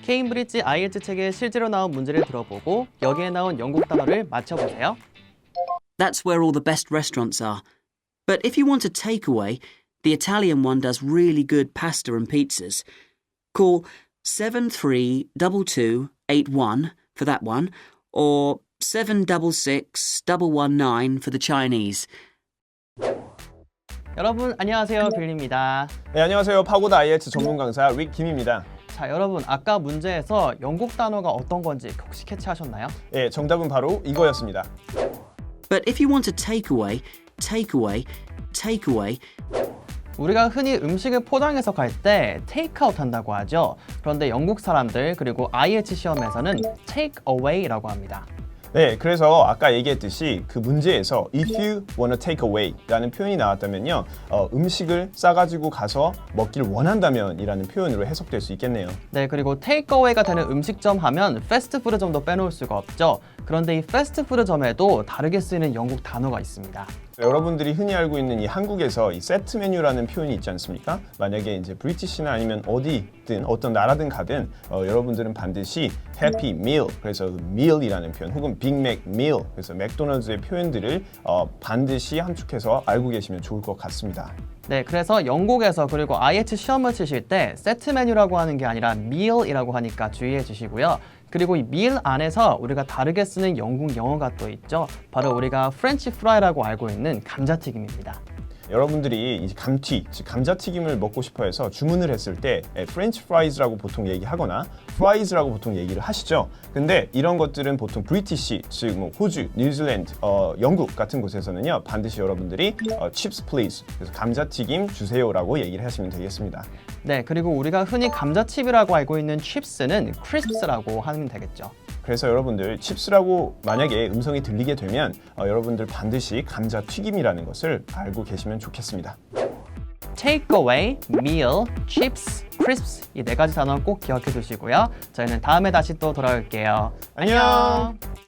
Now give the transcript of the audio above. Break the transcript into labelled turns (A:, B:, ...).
A: 케임브리지 IELTS 책에 실제로 나온 문제를 들어보고 여기에 나온 영국 단어를 맞춰보세요.
B: That's where all the best restaurants are. But if you want a takeaway, the Italian one does really good pasta and pizzas. Call 732281 for that one, or 766119 for the Chinese.
A: 여러분 안녕하세요, 빌리입니다.
C: 네, 안녕하세요. 파고다 IELTS 전문 강사 릭 김입니다.
A: 자, 여러분 아까 문제에서 영국 단어가 어떤 건지 혹시 캐치하셨나요?
C: 네, 정답은 바로 이거였습니다.
B: But if you want a takeaway,
A: 우리가 흔히 음식을 포장해서 갈 때 테이크아웃 한다고 하죠. 그런데 영국 사람들 그리고 IELTS 시험에서는 take away라고 합니다.
C: 네, 그래서 아까 얘기했듯이 그 문제에서 if you wanna take away 라는 표현이 나왔다면요, 음식을 싸가지고 가서 먹기를 원한다면 이라는 표현으로 해석될 수 있겠네요.
A: 네, 그리고 take away가 되는 음식점 하면 패스트푸드점도 빼놓을 수가 없죠. 그런데 이 패스트푸드점에도 다르게 쓰이는 영국 단어가 있습니다.
C: 여러분들이 흔히 알고 있는 이 한국에서 이 세트 메뉴라는 표현이 있지 않습니까? 만약에 이제 브리티시나 아니면 어디든 어떤 나라든 가든 여러분들은 반드시 해피 밀, 그래서 meal이라는 표현 혹은 빅맥 밀, 그래서 맥도날드의 표현들을 반드시 함축해서 알고 계시면 좋을 것 같습니다.
A: 네, 그래서 영국에서 그리고 IELTS 시험을 치실 때 세트 메뉴라고 하는 게 아니라 meal이라고 하니까 주의해 주시고요. 그리고 이 meal 안에서 우리가 다르게 쓰는 영국 영어가 또 있죠. 바로 우리가 프렌치 프라이라고 알고 있는 감자튀김입니다.
C: 여러분들이 이 감튀, 즉 감자튀김을 먹고 싶어 해서 주문을 했을 때 프렌치 프라이즈라고 보통 얘기하거나 프라이즈라고 보통 얘기를 하시죠. 근데 이런 것들은 보통 브리티시, 즉 뭐 호주, 뉴질랜드, 영국 같은 곳에서는요, 반드시 여러분들이 chips please, 그래서 감자튀김 주세요라고 얘기를 하시면 되겠습니다.
A: 네, 그리고 우리가 흔히 감자칩이라고 알고 있는 chips는 crisps라고 하면 되겠죠.
C: 그래서 여러분들 칩스라고 만약에 음성이 들리게 되면 여러분들 반드시 감자튀김이라는 것을 알고 계시면 좋겠습니다.
A: take away, meal, chips, crisps 이 네 가지 단어 꼭 기억해 두시고요. 저희는 다음에 다시 또 돌아올게요.
C: 안녕!